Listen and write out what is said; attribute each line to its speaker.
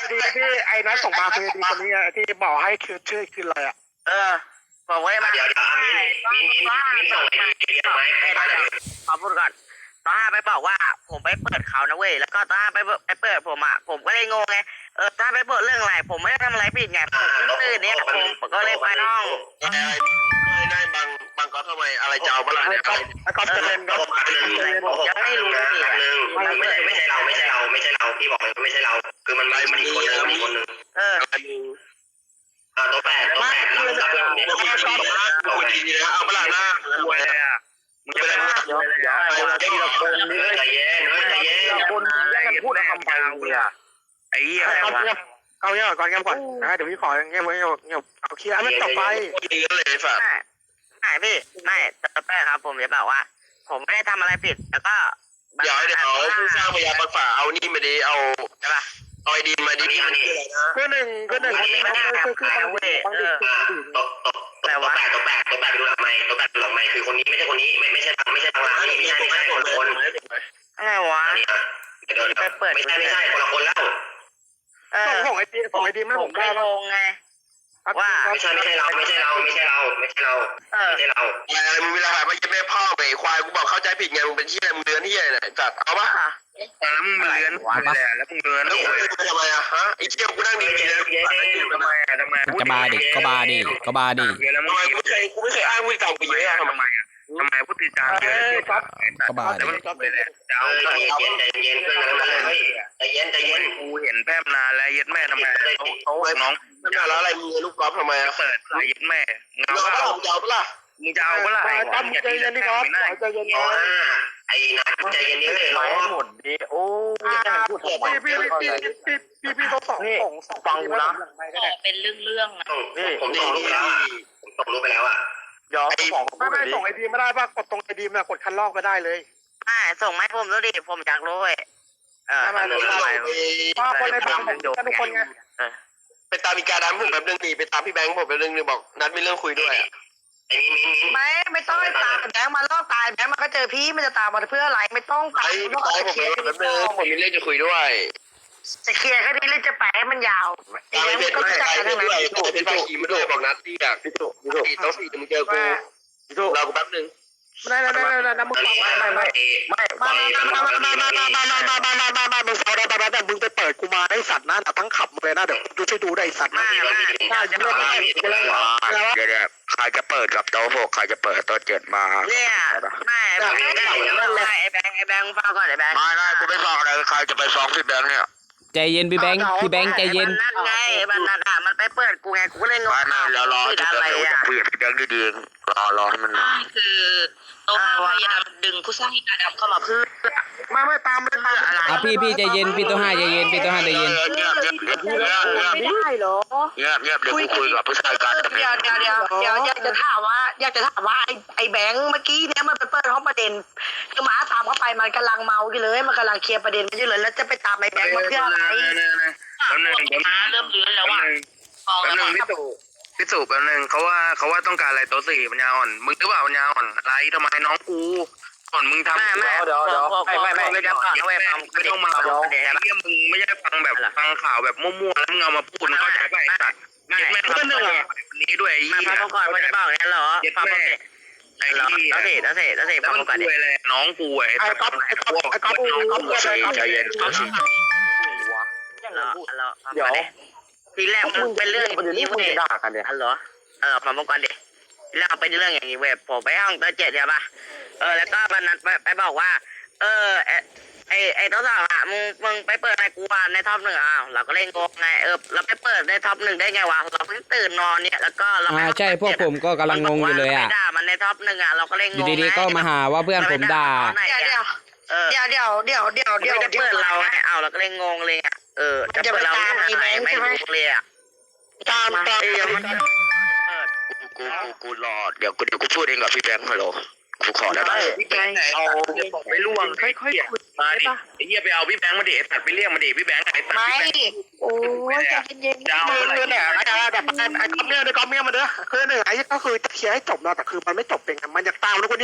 Speaker 1: ที่ไอ้นัทส่งมาคือดีคนนี้ที่บอกให้คือชื่อคืออะไรอ่ะ
Speaker 2: ผมก็เลยมา
Speaker 3: เดี๋ยวมิ้นส่งไอ้ดีไหมให้ได้
Speaker 2: ขอพูดก่อนตอนห้าไปบอกว่าผมไปเปิดเขานะเว้ยแล้วก็ตอนห้าไปเปิดผมอ่ะผมก็เลยงงไงตอนไปเปิดเรื่องอะไรผมไม่ได้ทำอะไรผิดไงผมตื่นเนี่ยผมก็เลยไปห้อง
Speaker 3: ได้บางก็ทำไมอะไรจะเอาเมื่อไหร่เนี่ย
Speaker 1: ก็จะเล่นก็
Speaker 2: ยังไม่รู้สิ
Speaker 3: ไม่ใช่เราพี่บอกเลยไม่ใช่เราคือมันอีกคนนึงตัวแปดเราชอบคุยดีนะเอาเมื่อไหร่หน้าทำไมมึงจะไปอะไรทีละคนนี่ใจเย็น
Speaker 1: คนแย่งกันพูดทำไมเนี่ย
Speaker 3: ไอ้เหี้ย
Speaker 1: เอาเงี้ยก่อนนะเดี๋ยวพี่ขอเงี้ยเอาเคลียร์ไม่จบไป
Speaker 3: ดีกันเลยฝาก
Speaker 2: ไม่พี่ไม่ตัวแปดครับผมจะบอกว่าผมไม่ได้ทำอะไรผิดแล้วก็
Speaker 3: เดี๋ยวผู้สร้างพยาบาลฝ่าเอานี่มาดีเอา
Speaker 2: ใช่ป่ะ
Speaker 3: เอาไอดีมาดี
Speaker 1: คือหนึ่งคือตัว
Speaker 3: แปดดูหลังไม้คือคนนี้ไม่ใช่คนนี้ไม่ใช่ทางร้านไม่ใช่คน
Speaker 2: อะไรวะ
Speaker 3: ไปเปิดไม่ใช่คนละคนแล้ว
Speaker 1: ส่งไอดีไม่ผมได้
Speaker 2: ลงไงว่า
Speaker 3: ไม่ใช่เราอะไรมึงเวลาหามาเย็บแม่พ่อไปควายกูบอกเข้าใจผิดไงมึงเป็นเหี้ยมึงเดือนเหี้ยเนี่ยจัดเอาปะ
Speaker 4: แล้วมึงเลื้อนแล้วมึงเลื้อน
Speaker 3: แล้วทำไมอะฮะไอ้เจี๊ยบกูนั่งดีแล้ว
Speaker 4: ทำไม
Speaker 5: ก็บาดิทำไม
Speaker 3: กูไม่เคยอ้างมึงเก่ากูเยอะ
Speaker 4: ทำไมพูดติดตามเยอะ
Speaker 5: ก็บาดิ
Speaker 4: แล้วมันก็ไปแล้ว
Speaker 3: ใจเย็นเพื่อนกันเลยใจเย็น
Speaker 4: กูเห็นแป๊บนานแล้วเย็ดแม่ทำไมเขาน้อง
Speaker 3: แล้วอะไรมึงลูกกอล์ฟทำไม
Speaker 4: เปิดเย็ดแม่
Speaker 3: เงาเปล่ามึงจะเอาเปล่า
Speaker 4: มึงจะเอาเปล่า
Speaker 1: ตั้มใจเย็นนี่ครับใจเย็น
Speaker 3: ไอ้นัทใจเย็นนี่เลย
Speaker 1: น้องหมดดีโอ้พี่เขาส่งฟังกูนะ
Speaker 2: เป็นเรื่อง
Speaker 3: ผมส่งรูปไปแล้วอ่ะ
Speaker 1: เดี๋ยวไม่ส่งไอดีไม่ได้ป่ะกดตรงไอดีมากดคันลอกไม่ได้เลย
Speaker 2: ส่งให้ผมดูดิผมอยากรู้เว้ย
Speaker 1: คนในบ้านผมทุกคนไง
Speaker 3: ไปตามอีกาดำผมแบบนึงดีไปตามพี่แบงค์ผมแบบนึงบอกนัดมีเรื่องคุยด้วยไอ้
Speaker 2: ไม่ต้องตามแบงค์มาลอกตายแบงค์มันก็เจอพี่มันจะตามมาเพื่ออะไรไม่ต้องตาม
Speaker 3: ผมมีเรื่องจะคุยด้วย
Speaker 2: จะเคลียร์แค่นี้เลยจะไปให้มันยาว
Speaker 3: ไอ้เพชรก็จะไปด้วยเพชรไปขี่มาด้วยบอกนัดที่อยากต้องสี่มึงเจอกูเรากูแป๊บนึง
Speaker 1: ไม่มึงฟังไม่มึงฟังแต่มึงไปเปิดกูมาได้สัตว์นะทั้งขับเลยนะเดี๋ยวดูช่วยดูได้สัตว์นะ
Speaker 3: ใครจะเปิดกับโต๊ะ6ใครจะเปิดโต๊ะ7มา
Speaker 2: เนี่ยไม่ไอ้แบงค์ฟังก่อนไอ้แบงค์
Speaker 3: ไม่กูไม่ฟังอะไรใครจะไปฟ้องพี่แบงค์เนี่ย
Speaker 5: ใจเย็นพี่แบงค์ใจเย็น
Speaker 2: นั่นไงมันไปเปิดกูไงกูเลยงง
Speaker 3: แล้วรอจะคุยกับพี่แบงค์ดีๆรอให้มัน
Speaker 2: คือโต๊ะพยายามดึงผู้สร้างอีกาดำเข้ามาเพื่อ
Speaker 1: ไม่ตามเลย
Speaker 5: อะไรพี่ใจเย็นพี่ตัวห้าใจเย็น
Speaker 2: ไม่ได้หรอ
Speaker 3: เงียบเดี๋ยวกูคุยกับผู้ชายกัน
Speaker 2: เดี๋ยวอยากจะถามว่าไอ้แบงค์เมื่อกี้เนี่ยมันไปเปิดห้องประเด็นคือหมาตามเข้าไปมันกำลังเมาอยู่เลยมันกำลังเคลียร์ประเด็นกันอยู่เลยแล้วจะไปตามไอ้แบงค์มาเพื่ออะไรมาเริ่มเลื้อนแล้วอ่ะ
Speaker 4: แป๊บนึงพี่ตู่แป๊บนึงเขาว่าต้องการอะไรโต๊ะ4ปัญญาอ่อนมึงหรือเปล่าปัญญาอ่อนอะไรทำไมน้องกูก่อนมึงทำ
Speaker 1: เดี๋ยว
Speaker 2: ไม่ต้องมา
Speaker 4: เยี่ยมมึงไม่ใช่ฟังแบบฟังข่าวแบบมั่วๆแล้วมึงเอามาพูดเข้าใจป่ะไอ้สัตว์แม่ก็หนึ่งนี้ด้วยไอ้
Speaker 2: มาพักก่อนมันจะบอกงั้นเหรอ
Speaker 4: ฟังไอ้ที่
Speaker 2: แล้วเสร็จ
Speaker 4: ฟังก่อนดิน้องกูไอ้ก๊อฟ
Speaker 3: ใจเย็น
Speaker 2: เดี๋ยวทีแรกมันเป็นเรื่องอย่างนี้เว้ยเหรอฟังก่อนดิทีแรกเป็นเรื่องอย่างนี้เว้ยผมไปห้องตัว7ใช่ป่ะแล้วก็มันนัดไปบอกว่าไอ้ตัวสองอ่ะมึงไปเปิดในกูว่าในท็อป1เราก็เล่นโกงไงเราไปเปิดในท็อป1ได้ไงวะเราเพิ่งตื่นนอนเนี่ยแล้วก็เรา
Speaker 5: ใช่พวกผมก็กำลังงงอยู่เลย
Speaker 2: ด่ามันในท็อป1เราก็เล่นงง
Speaker 5: ดีๆก็มาหาว่าเพื่อนผมด่า
Speaker 2: เดี๋ยวจะเปิดเราไงเราก็เล่นงงเลยจะเปิดเราไม่รู้เลย
Speaker 1: ตาม
Speaker 3: กูรอเดี๋ยวกูพูดเองกับพี่แบงค์ฮัลโหลกูขอได้ไหม
Speaker 4: พี่แบงค์เอาไปล่วงค่อยๆคุยมาดิไอ้เหี้ยไปเอาพี่แบงค์มาดิตัดไปเรียกมาดิพี่แบงค์ไอ้ตัด
Speaker 2: ไม่โอ้ยใจเย็น
Speaker 1: ๆเนี่ยไอ้คอมเมียมาเด้อคือหนึ่งไอ้ก็คือจะเคลียร์ให้จบนะแต่คือมันไม่จบเป็นมันอยากตามแล้วคน